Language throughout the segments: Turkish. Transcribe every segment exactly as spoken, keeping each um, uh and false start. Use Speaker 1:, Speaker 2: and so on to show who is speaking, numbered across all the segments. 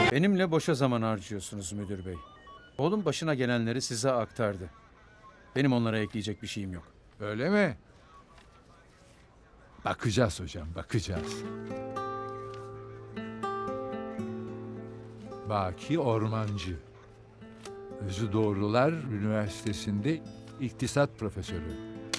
Speaker 1: Benimle boşa zaman harcıyorsunuz müdür bey. Oğlum başına gelenleri size aktardı. Benim onlara ekleyecek bir şeyim yok.
Speaker 2: Öyle mi? Bakacağız hocam, bakacağız. Baki Ormancı. Özü Doğrular Üniversitesi'nde iktisat profesörü.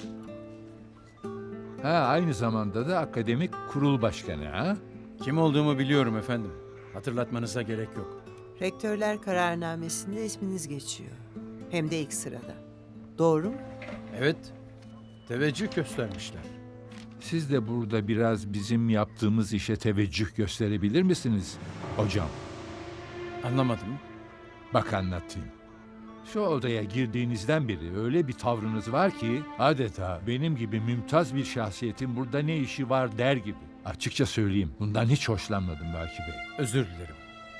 Speaker 2: Ha, aynı zamanda da akademik kurul başkanı ha?
Speaker 1: Kim olduğumu biliyorum efendim. Hatırlatmanıza gerek yok.
Speaker 3: Rektörler kararnamesinde isminiz geçiyor. Hem de ilk sırada. Doğru mu?
Speaker 1: Evet, teveccüh göstermişler.
Speaker 2: Siz de burada biraz bizim yaptığımız işe teveccüh gösterebilir misiniz hocam?
Speaker 1: Anlamadım.
Speaker 2: Bak anlatayım. Şu odaya girdiğinizden beri öyle bir tavrınız var ki adeta benim gibi mümtaz bir şahsiyetin burada ne işi var der gibi. Açıkça söyleyeyim, bundan hiç hoşlanmadım Baki Bey.
Speaker 1: Özür dilerim.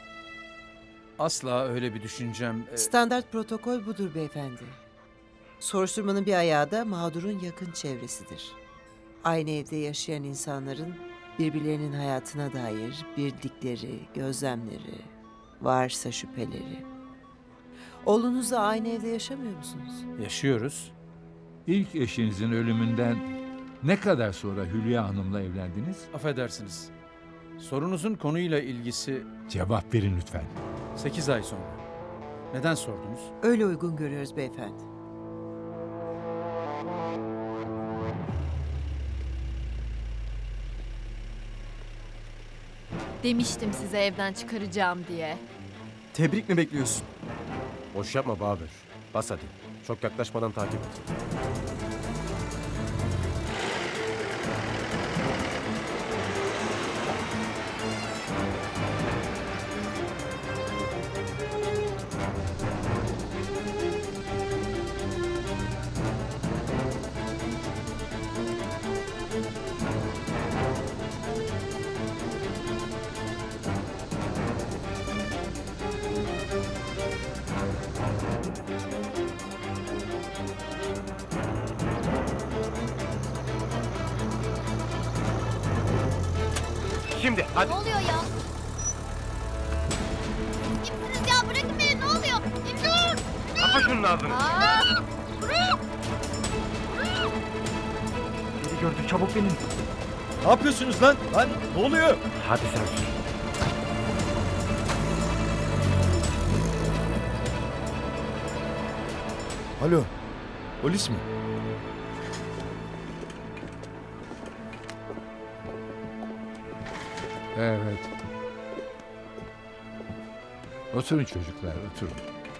Speaker 1: Asla öyle bir düşüncem... e,
Speaker 3: Standart protokol budur beyefendi. Soruşturmanın bir ayağı da mağdurun yakın çevresidir. Aynı evde yaşayan insanların birbirlerinin hayatına dair bildikleri, gözlemleri, varsa şüpheleri. Oğlunuzla aynı evde yaşamıyor musunuz?
Speaker 1: Yaşıyoruz.
Speaker 2: İlk eşinizin ölümünden ne kadar sonra Hülya Hanım'la evlendiniz?
Speaker 1: Affedersiniz. Sorunuzun konuyla ilgisi
Speaker 2: Cevap verin lütfen.
Speaker 1: sekiz ay sonra. Neden sordunuz?
Speaker 3: Öyle uygun görüyoruz beyefendi.
Speaker 4: Demiştim size evden çıkaracağım diye.
Speaker 5: Tebrik mi bekliyorsun?
Speaker 6: Boş yapma Bahadır. Bas hadi. Çok yaklaşmadan takip et. Şimdi hadi.
Speaker 4: Ne oluyor ya? Kimsiniz ya? Bırakın beni, ne oluyor? İmdat!
Speaker 6: Kapa şunun ağzını.
Speaker 4: Aa!
Speaker 5: Biri gördü, çabuk benim. Ne yapıyorsunuz lan? Lan ne oluyor?
Speaker 6: Hadi sen sür.
Speaker 5: Alo, polis mi?
Speaker 2: Evet. Oturun çocuklar, oturun.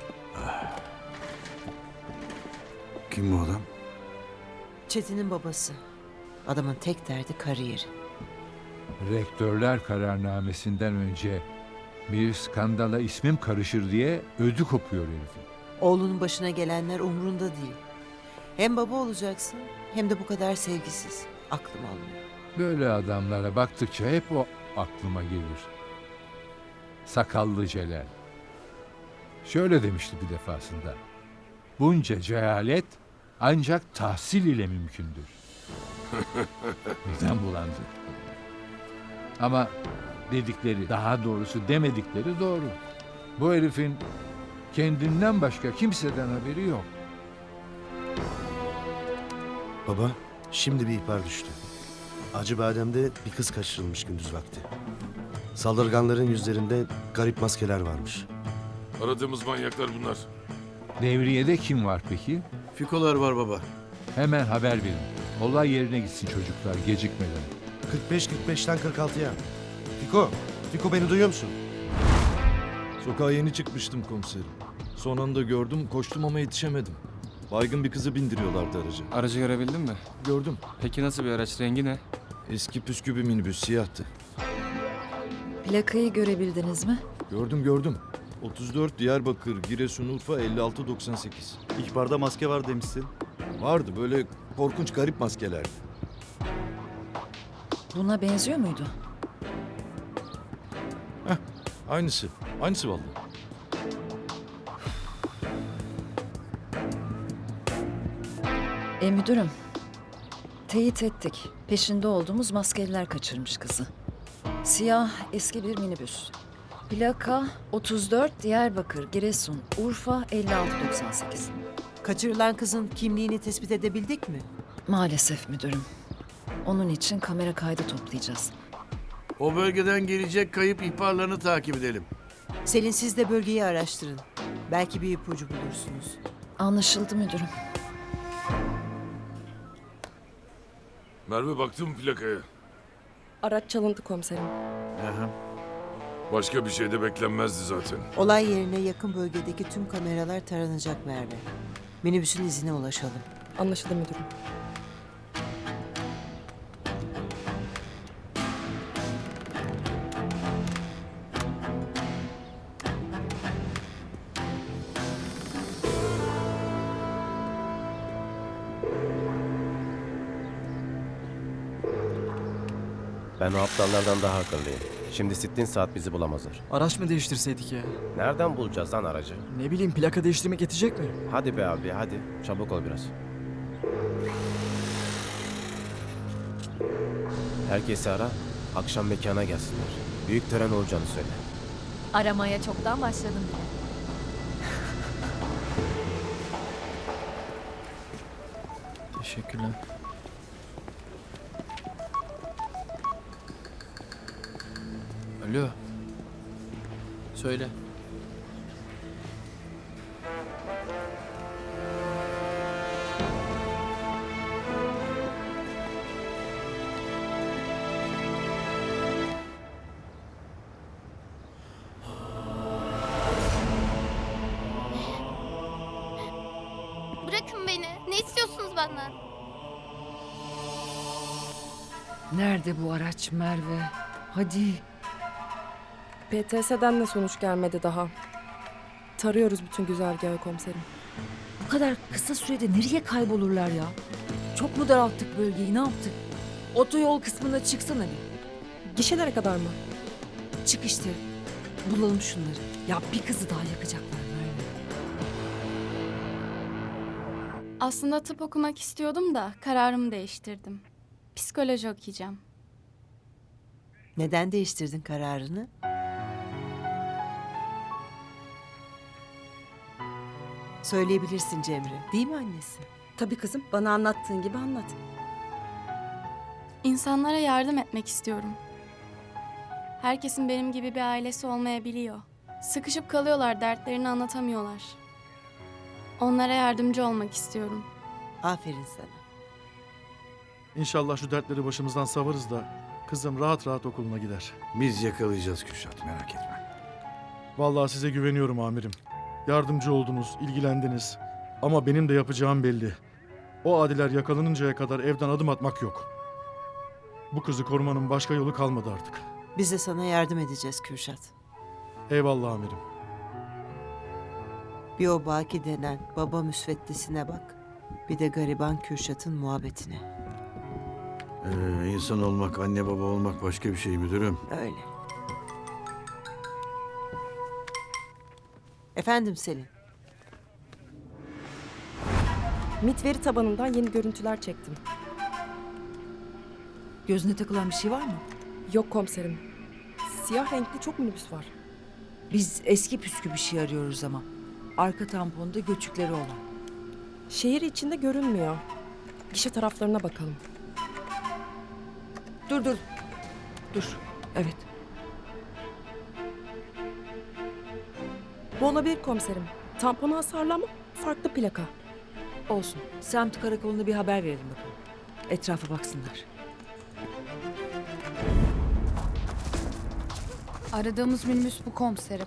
Speaker 7: Kim bu adam?
Speaker 3: Çetin'in babası. Adamın tek derdi kariyeri.
Speaker 2: Rektörler kararnamesinden önce bir skandala ismim karışır diye ödü kopuyor herifin.
Speaker 3: Oğlunun başına gelenler umrunda değil. Hem baba olacaksın hem de bu kadar sevgisiz. Aklım almıyor.
Speaker 2: Böyle adamlara baktıkça hep o aklıma gelir. Sakallı Celal. Şöyle demişti bir defasında. Bunca cehalet ancak tahsil ile mümkündür. Midem bulandı. Ama dedikleri, daha doğrusu demedikleri doğru. Bu herifin kendinden başka kimseden haberi yok.
Speaker 7: Baba, şimdi bir ihbar düştü. Acıbadem'de bir kız kaçırılmış gündüz vakti. Saldırganların yüzlerinde garip maskeler varmış.
Speaker 8: Aradığımız manyaklar bunlar.
Speaker 2: Devriyede kim var peki?
Speaker 7: Fikolar var baba.
Speaker 2: Hemen haber verin. Olay yerine gitsin çocuklar gecikmeden.
Speaker 7: kırk beş kırk beşten kırk altıya. Fiko, Fiko beni duyuyor musun?
Speaker 9: Sokağa yeni çıkmıştım komiserim. Son anda gördüm, koştum ama yetişemedim. Baygın bir kızı bindiriyorlardı aracı.
Speaker 5: Aracı görebildin mi?
Speaker 9: Gördüm.
Speaker 5: Peki nasıl bir araç? Rengi ne?
Speaker 9: Eski püskü bir minibüs, siyahtı.
Speaker 10: Plakayı görebildiniz mi?
Speaker 9: Gördüm gördüm. otuz dört Diyarbakır, Giresun, Urfa elli altı doksan sekiz.
Speaker 7: İhbarda maske var demişsin.
Speaker 9: Vardı böyle korkunç garip maskelerdi.
Speaker 10: Buna benziyor muydu?
Speaker 9: Aynısı. Aynısı vallahi.
Speaker 10: E müdürüm, teyit ettik. Peşinde olduğumuz maskeliler kaçırmış kızı. Siyah eski bir minibüs. Plaka otuz dört Diyarbakır, Giresun, Urfa elli altı doksan sekiz.
Speaker 3: Kaçırılan kızın kimliğini tespit edebildik mi?
Speaker 10: Maalesef müdürüm. Onun için kamera kaydı toplayacağız.
Speaker 11: O bölgeden gelecek kayıp ihbarlarını takip edelim.
Speaker 3: Selin siz de bölgeyi araştırın. Belki bir ipucu bulursunuz.
Speaker 10: Anlaşıldı müdürüm.
Speaker 8: Merve baktın mı plakaya?
Speaker 12: Araç çalındı komiserim.
Speaker 8: Başka bir şey de beklenmezdi zaten.
Speaker 3: Olay yerine yakın bölgedeki tüm kameralar taranacak Merve. Minibüsün izine ulaşalım.
Speaker 12: Anlaşıldı müdürüm.
Speaker 6: Ben o aptallardan daha akıllıyım. Şimdi sittin saat bizi bulamazlar.
Speaker 5: Araç mı değiştirseydik ya?
Speaker 6: Nereden bulacağız lan aracı?
Speaker 5: Ne bileyim plaka değiştirmek yetecek mi?
Speaker 6: Hadi be abi hadi. Çabuk ol biraz. Herkesi ara. Akşam mekana gelsinler. Büyük tören olacağını söyle.
Speaker 4: Aramaya çoktan başladım bile.
Speaker 5: Teşekkürler.
Speaker 1: Alo. Söyle.
Speaker 4: Bırakın beni. Ne istiyorsunuz benden?
Speaker 10: Nerede bu araç Merve? Hadi.
Speaker 12: P T S'den de sonuç gelmedi daha. Tarıyoruz bütün güzergahı komiserim.
Speaker 10: Bu kadar kısa sürede nereye kaybolurlar ya? Çok mu daralttık bölgeyi, ne yaptık? Otoyol kısmına çıksana bir.
Speaker 12: Gişelere kadar mı?
Speaker 10: Çık işte. Bulalım şunları. Ya bir kızı daha yakacaklar Merve.
Speaker 4: Aslında tıp okumak istiyordum da kararımı değiştirdim. Psikoloji okuyacağım.
Speaker 3: Neden değiştirdin kararını? Söyleyebilirsin Cemre. Değil mi annesi?
Speaker 12: Tabii kızım. Bana anlattığın gibi anlat.
Speaker 4: İnsanlara yardım etmek istiyorum. Herkesin benim gibi bir ailesi olmayabiliyor. Sıkışıp kalıyorlar, dertlerini anlatamıyorlar. Onlara yardımcı olmak istiyorum.
Speaker 3: Aferin sana.
Speaker 9: İnşallah şu dertleri başımızdan savarız da kızım rahat rahat okuluna gider.
Speaker 11: Biz yakalayacağız Kürşat, merak etme.
Speaker 9: Vallahi size güveniyorum amirim. Yardımcı oldunuz, ilgilendiniz. Ama benim de yapacağım belli. O adiler yakalanıncaya kadar evden adım atmak yok. Bu kızı korumanın başka yolu kalmadı artık.
Speaker 3: Biz de sana yardım edeceğiz Kürşat.
Speaker 9: Eyvallah amirim.
Speaker 3: Bir o Baki denen baba müsveddesine bak. Bir de gariban Kürşat'ın muhabbetine.
Speaker 11: Ee, insan olmak, anne baba olmak başka bir şey müdürüm.
Speaker 3: Öyle. Efendim Selin.
Speaker 12: MİT veri tabanından yeni görüntüler çektim.
Speaker 10: Gözüne takılan bir şey var mı?
Speaker 12: Yok komiserim. Siyah renkli çok minibüs var.
Speaker 10: Biz eski püskü bir şey arıyoruz ama. Arka tamponda göçükleri olan.
Speaker 12: Şehir içinde görünmüyor. Gişe taraflarına bakalım.
Speaker 10: Dur dur. Dur. Evet.
Speaker 12: Bu olabilir komiserim. Tamponu hasarlı ama farklı plaka.
Speaker 10: Olsun. Semt karakoluna bir haber verelim bakalım. Etrafa baksınlar.
Speaker 4: Aradığımız minibüs bu komiserim.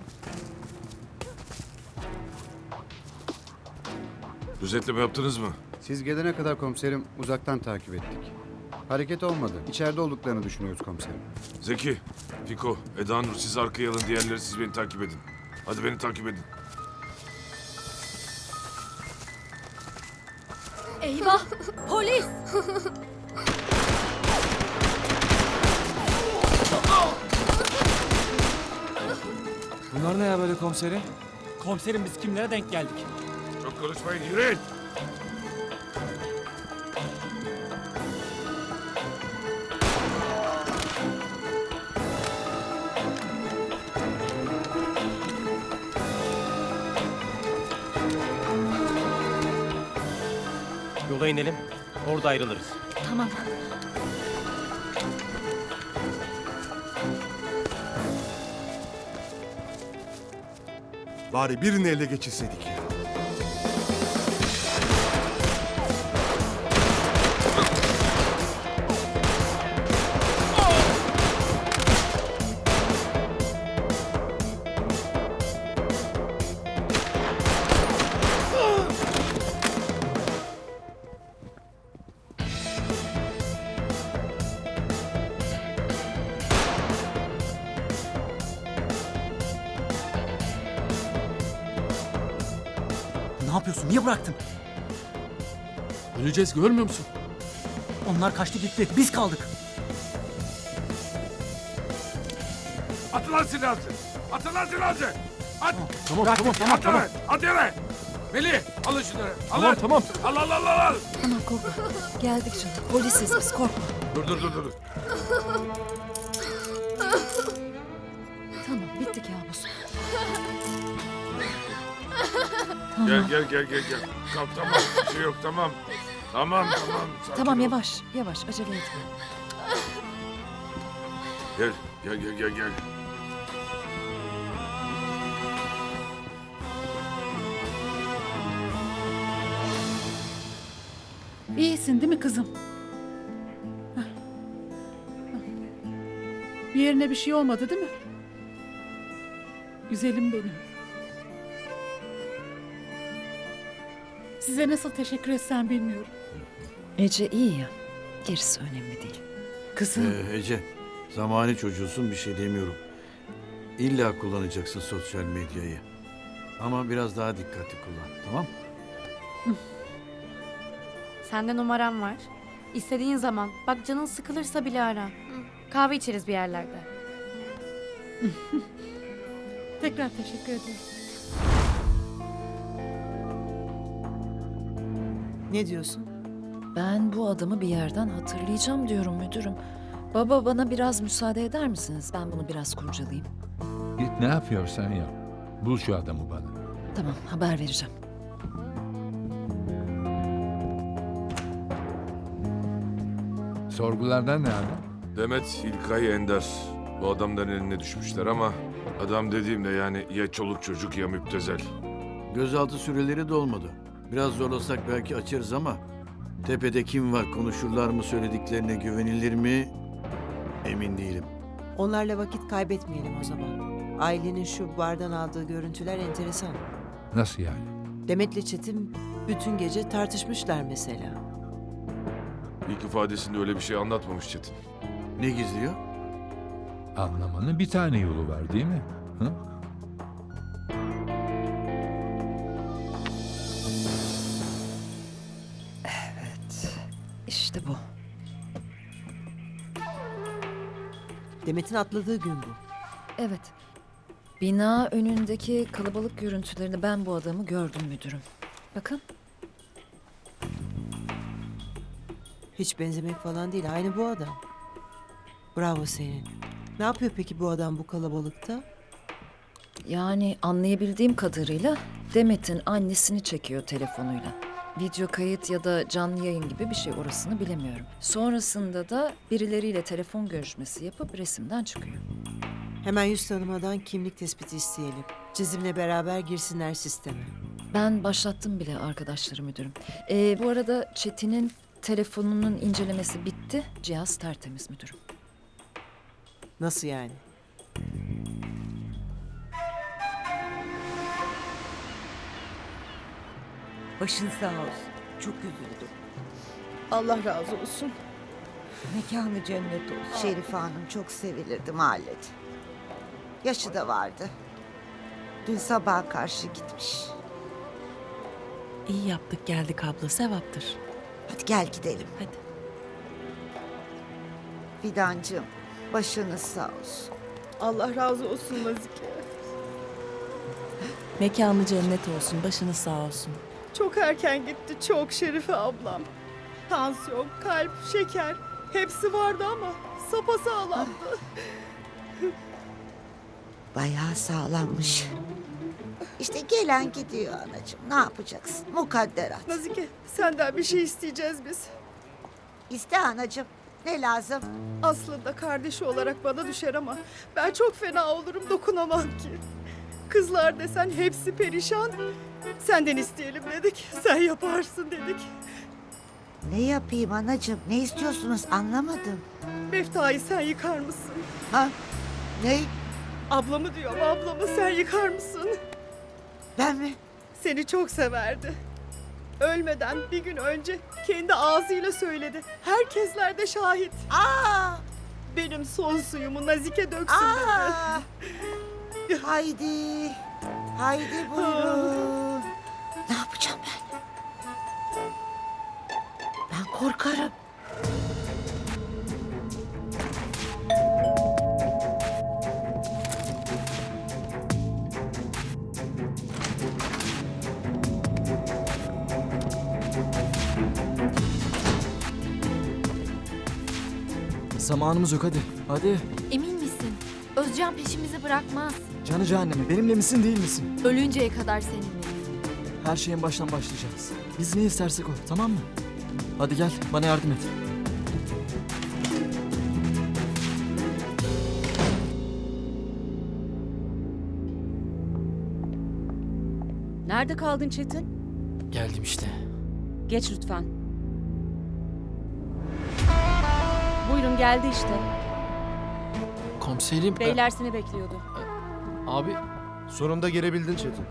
Speaker 8: Gözetleme yaptınız mı?
Speaker 5: Siz gelene kadar komiserim uzaktan takip ettik. Hareket olmadı. İçeride olduklarını düşünüyoruz komiserim.
Speaker 8: Zeki, Fiko, Eda Nur siz arkaya alın, diğerleri siz beni takip edin. Hadi beni takip edin.
Speaker 4: Eyvah! Polis!
Speaker 5: Bunlar ne ya böyle komiserim?
Speaker 11: Komiserim biz kimlere denk geldik?
Speaker 8: Çok konuşmayın, yürüyün!
Speaker 6: Yola inelim. Orada ayrılırız.
Speaker 10: Tamam.
Speaker 13: Bari birini ele geçirseydik ya.
Speaker 5: Ne yapıyorsun? Niye bıraktın?
Speaker 9: Öleceğiz görmüyor musun?
Speaker 5: Onlar kaçtı gitti. Biz kaldık.
Speaker 8: Atın lan silahı. Atın lan silahı. At.
Speaker 9: Tamam
Speaker 8: Bırak,
Speaker 9: tamam
Speaker 8: at,
Speaker 9: tamam
Speaker 8: at,
Speaker 9: tamam.
Speaker 8: At yere. Melih alın şunları. Alın.
Speaker 9: Tamam tamam.
Speaker 8: Al al al al. al.
Speaker 10: Tamam korkma. Geldik canım. Polisiz biz korkma.
Speaker 8: Dur dur dur dur.
Speaker 10: Tamam bitti kabus.
Speaker 8: Gel gel gel gel gel. Kalk tamam. Bir şey yok tamam. Tamam tamam. Sakin
Speaker 10: Tamam
Speaker 8: ol.
Speaker 10: yavaş yavaş acele etme.
Speaker 8: Gel gel gel gel gel.
Speaker 14: İyisin değil mi kızım? Heh. Bir yerine bir şey olmadı değil mi? Güzelim benim. Size nasıl teşekkür etsem bilmiyorum.
Speaker 10: Ece iyi ya. Gerisi önemli değil.
Speaker 14: Kızım.
Speaker 11: Ee, Ece, zamani çocuğusun bir şey demiyorum. İlla kullanacaksın sosyal medyayı. Ama biraz daha dikkatli kullan, tamam?
Speaker 15: Sende numaram var. İstediğin zaman. Bak canın sıkılırsa bile ara. Kahve içeriz bir yerlerde.
Speaker 14: Tekrar teşekkür ederim.
Speaker 3: Ne diyorsun?
Speaker 10: Ben bu adamı bir yerden hatırlayacağım diyorum müdürüm. Baba bana biraz müsaade eder misiniz? Ben bunu biraz kurcalayayım.
Speaker 2: Git ne yapıyorsan yap. Bul şu adamı bana.
Speaker 10: Tamam haber vereceğim.
Speaker 2: Sorgulardan ne abi?
Speaker 8: Demet, İlkay, Ender. Bu adamların eline düşmüşler ama adam dediğimde yani ya çoluk çocuk ya müptezel.
Speaker 11: Gözaltı süreleri dolmadı. Biraz zorlasak belki açarız ama tepede kim var, konuşurlar mı, söylediklerine güvenilir mi emin değilim.
Speaker 3: Onlarla vakit kaybetmeyelim o zaman. Ailenin şu bardan aldığı görüntüler enteresan.
Speaker 2: Nasıl yani?
Speaker 3: Demet'le Çetin bütün gece tartışmışlar mesela.
Speaker 8: İlk ifadesinde öyle bir şey anlatmamış Çetin.
Speaker 11: Ne gizliyor?
Speaker 2: Anlamanın bir tane yolu var değil mi? Hı?
Speaker 10: Evet. İşte bu.
Speaker 3: Demet'in atladığı gün bu.
Speaker 10: Evet. Bina önündeki kalabalık görüntülerini ben bu adamı gördüm müdürüm. Bakın.
Speaker 3: Hiç benzemek falan değil. Aynı bu adam. Bravo senin. Ne yapıyor peki bu adam bu kalabalıkta?
Speaker 10: Yani anlayabildiğim kadarıyla Demet'in annesini çekiyor telefonuyla. Video kayıt ya da canlı yayın gibi bir şey, orasını bilemiyorum. Sonrasında da birileriyle telefon görüşmesi yapıp resimden çıkıyor.
Speaker 3: Hemen yüz tanımadan kimlik tespiti isteyelim. Çizimle beraber girsinler sisteme.
Speaker 10: Ben başlattım bile arkadaşları müdürüm. Ee, bu arada Çetin'in telefonunun incelemesi bitti. Cihaz tertemiz müdürüm.
Speaker 3: Nasıl yani?
Speaker 16: Başın sağ olsun. Çok üzüldüm.
Speaker 14: Allah razı olsun.
Speaker 16: Mekanı cennet olsun. Şerife Hanım çok sevilirdi mahallede. Yaşı da vardı. Dün sabaha karşı gitmiş.
Speaker 14: İyi yaptık geldik abla, sevaptır.
Speaker 16: Hadi gel gidelim.
Speaker 14: Hadi.
Speaker 16: Fidancığım, başınız sağ olsun.
Speaker 14: Allah razı olsun Nazike. Mekanı cennet olsun, başınız sağ olsun.
Speaker 17: Çok erken gitti, çok Şerife ablam. Tansiyon, kalp, şeker hepsi vardı ama sapasağlamdı.
Speaker 16: Bayağı sağlammış. İşte gelen gidiyor anacığım. Ne yapacaksın? Mukadderat.
Speaker 17: Nazike senden bir şey isteyeceğiz biz.
Speaker 16: İste anacığım. Ne lazım?
Speaker 17: Aslında kardeşi olarak bana düşer ama ben çok fena olurum, dokunamam ki. Kızlar desen hepsi perişan. Senden isteyelim dedik, sen yaparsın dedik.
Speaker 16: Ne yapayım anacığım? Ne istiyorsunuz anlamadım.
Speaker 17: Meftayı sen yıkar mısın?
Speaker 16: Ha? Ne?
Speaker 17: Ablamı diyorum, ablamı sen yıkar mısın?
Speaker 16: Ben mi?
Speaker 17: Seni çok severdi. Ölmeden bir gün önce kendi ağzıyla söyledi. Herkesler de şahit.
Speaker 16: Aa!
Speaker 17: Benim son suyumu Nazike döksün
Speaker 16: Aa!
Speaker 17: dedi.
Speaker 16: Haydi. Haydi buyurun. Ne yapacağım ben? Ben korkarım.
Speaker 5: Zamanımız yok hadi. Hadi.
Speaker 15: Emin misin? Özcan peşimizi bırakmaz.
Speaker 5: Canı cehennemi. Benimle misin değil misin?
Speaker 15: Ölünceye kadar seninle.
Speaker 5: Her şeyin baştan başlayacağız. Biz ne istersek o, tamam mı? Hadi gel bana yardım et.
Speaker 14: Nerede kaldın Çetin?
Speaker 5: Geldim işte.
Speaker 14: Geç lütfen. Buyurun geldi işte.
Speaker 5: Komiserim.
Speaker 14: Beyler seni bekliyordu.
Speaker 5: Abi
Speaker 7: Sonunda gelebildin Çetin.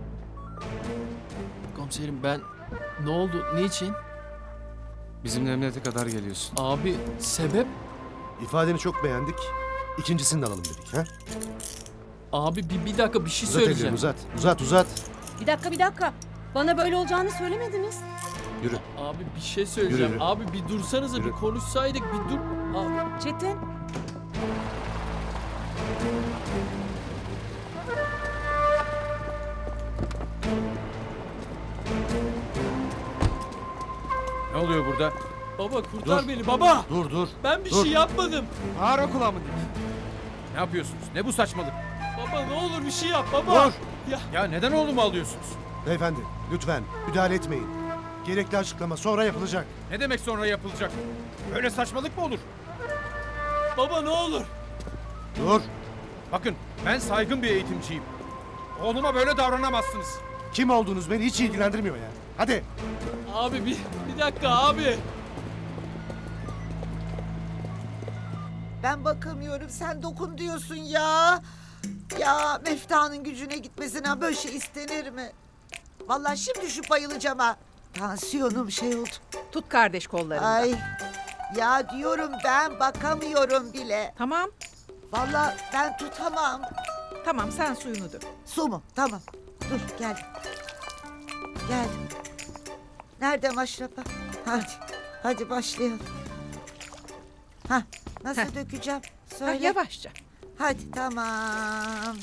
Speaker 5: komiserim ben ne oldu? Niçin?
Speaker 1: Bizimle emniyete kadar geliyorsun.
Speaker 5: Abi sebep?
Speaker 7: İfadeni çok beğendik. İkincisini de alalım dedik. Ha?
Speaker 5: Abi bir, bir dakika bir şey
Speaker 7: Uzat ellerini uzat. Uzat uzat.
Speaker 14: Bir dakika bir dakika. Bana böyle olacağını söylemediniz.
Speaker 7: Yürü.
Speaker 5: Abi bir şey söyleyeceğim.
Speaker 7: Yürü, yürü.
Speaker 5: Abi bir dursanıza
Speaker 7: Yürü.
Speaker 5: bir konuşsaydık bir dur. Abi.
Speaker 14: Çetin.
Speaker 1: Ne oluyor burada?
Speaker 5: Baba kurtar
Speaker 7: Dur.
Speaker 5: beni baba.
Speaker 7: Dur dur.
Speaker 5: Ben bir
Speaker 7: Dur.
Speaker 5: şey yapmadım.
Speaker 1: Ağır kulağımı Ne yapıyorsunuz? Ne bu saçmalık?
Speaker 5: Baba ne olur bir şey yap baba.
Speaker 7: Dur.
Speaker 5: Ya
Speaker 1: Ya neden oğlumu alıyorsunuz?
Speaker 7: Beyefendi lütfen müdahale etmeyin. Gerekli açıklama sonra yapılacak.
Speaker 1: Ne demek sonra yapılacak? Böyle saçmalık mı olur?
Speaker 5: baba ne olur.
Speaker 7: Dur.
Speaker 1: Bakın ben saygın bir eğitimciyim. Oğluma böyle davranamazsınız.
Speaker 7: Kim olduğunuz beni hiç ilgilendirmiyor ya. Hadi.
Speaker 5: Abi bir, bir dakika abi.
Speaker 16: Ben bakamıyorum. Sen dokun diyorsun ya. Ya Mefta'nın gücüne gitmesine böyle şey istenir mi? Vallahi şimdi şu bayılacağım ha. Tansiyonum şey oldu.
Speaker 14: Tut kardeş kollarını.
Speaker 16: Ay. Ya diyorum ben bakamıyorum bile.
Speaker 14: Tamam.
Speaker 16: Vallahi ben tutamam.
Speaker 14: Tamam sen suyunu dök.
Speaker 16: Su mu? Tamam. Dur gel. Gel. Nerede maşrapa? Hadi. Hadi başlayalım. Ha, nasıl
Speaker 14: Heh.
Speaker 16: dökeceğim? Söyle.
Speaker 14: yavaşça.
Speaker 16: Hadi tamam.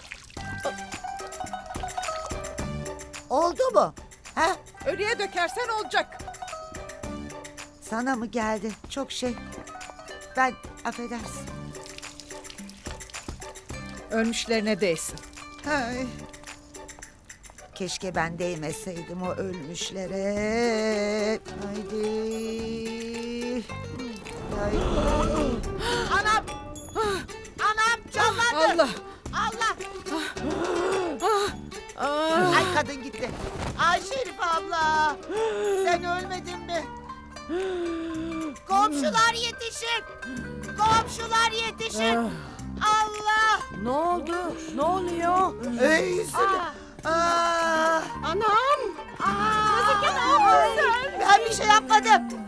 Speaker 16: Oldu mu? Ha?
Speaker 14: Ölüye dökersen olacak.
Speaker 16: Sana mı geldi? Çok şey. Ben affedersin.
Speaker 14: Ölmüşlerine değsin.
Speaker 16: Ay. Keşke ben değmeseydim o ölmüşlere. Haydi. Haydi. Anam! Anam canlandı!
Speaker 14: Allah!
Speaker 16: Allah! Ay kadın gitti. Ay Şerife abla! Sen ölmedin mi? Komşular yetişin! Komşular yetişin! Allah!
Speaker 14: Ne oldu? Ne oluyor?
Speaker 16: Ey yüzüne! Aa!
Speaker 17: Anam!
Speaker 16: Nazike ne yapıyorsun? Ben bir şey yapmadım.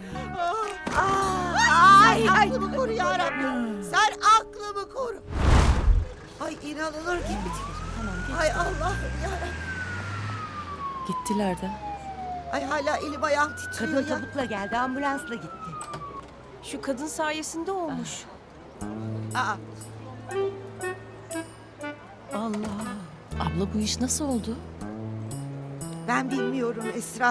Speaker 16: Aa, ay, aklımı koru ya Rabbim. Sen aklımı koru. Ay inanılır gibi değil.
Speaker 12: Tamam
Speaker 16: Ay Allah'ım ya Rabbim.
Speaker 12: Gittiler de.
Speaker 16: Ay hala elim ayağım titriyor
Speaker 14: Kadın
Speaker 16: ya.
Speaker 14: tabutla geldi, ambulansla gitti.
Speaker 12: Şu kadın sayesinde olmuş.
Speaker 16: Aa,
Speaker 12: Allah. Abla bu iş nasıl oldu?
Speaker 16: ben bilmiyorum Esra.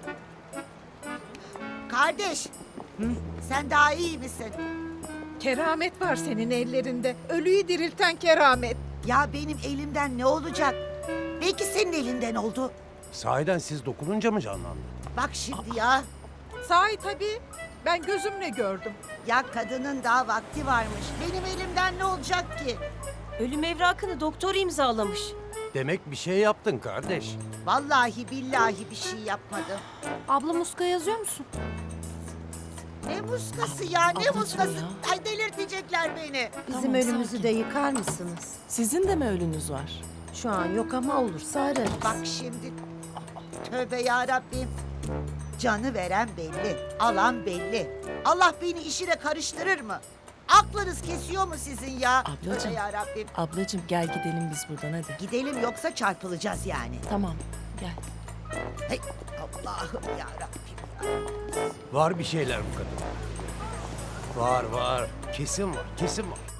Speaker 16: Kardeş. Sen daha iyi misin?
Speaker 14: Keramet var senin ellerinde. Ölüyü dirilten keramet.
Speaker 16: Ya benim elimden ne olacak? Belki senin elinden oldu.
Speaker 6: Sahiden siz dokununca mı canlandı?
Speaker 16: Bak şimdi ya.
Speaker 17: Sahi tabii. Ben gözümle gördüm.
Speaker 16: Ya kadının daha vakti varmış. Benim elimden ne olacak ki?
Speaker 18: Ölüm evrakını doktor imzalamış.
Speaker 6: Demek bir şey yaptın kardeş.
Speaker 16: Vallahi billahi bir şey yapmadım.
Speaker 15: Abla muska yazıyor musun?
Speaker 16: Ne muskası ya ne muskası? Ay delirtecekler beni.
Speaker 18: Bizim ölümümüzü de yıkar mısınız?
Speaker 19: Sizin de mi ölünüz var?
Speaker 18: Şu an yok ama olursa ararız.
Speaker 16: Bak şimdi. Tövbe ya Rabbim. Canı veren belli, alan belli. Allah beni işine karıştırır mı? Aklınız kesiyor mu sizin ya?
Speaker 19: Ablacığım.
Speaker 16: Tövbe ya Rabbim.
Speaker 19: Ablacığım gel gidelim biz buradan hadi.
Speaker 16: Gidelim yoksa çarpılacağız yani.
Speaker 19: Tamam gel.
Speaker 16: Hey, Allah'ım ya Rabbim.
Speaker 6: Var bir şeyler bu kadın. Var var. Kesin var. Kesin var.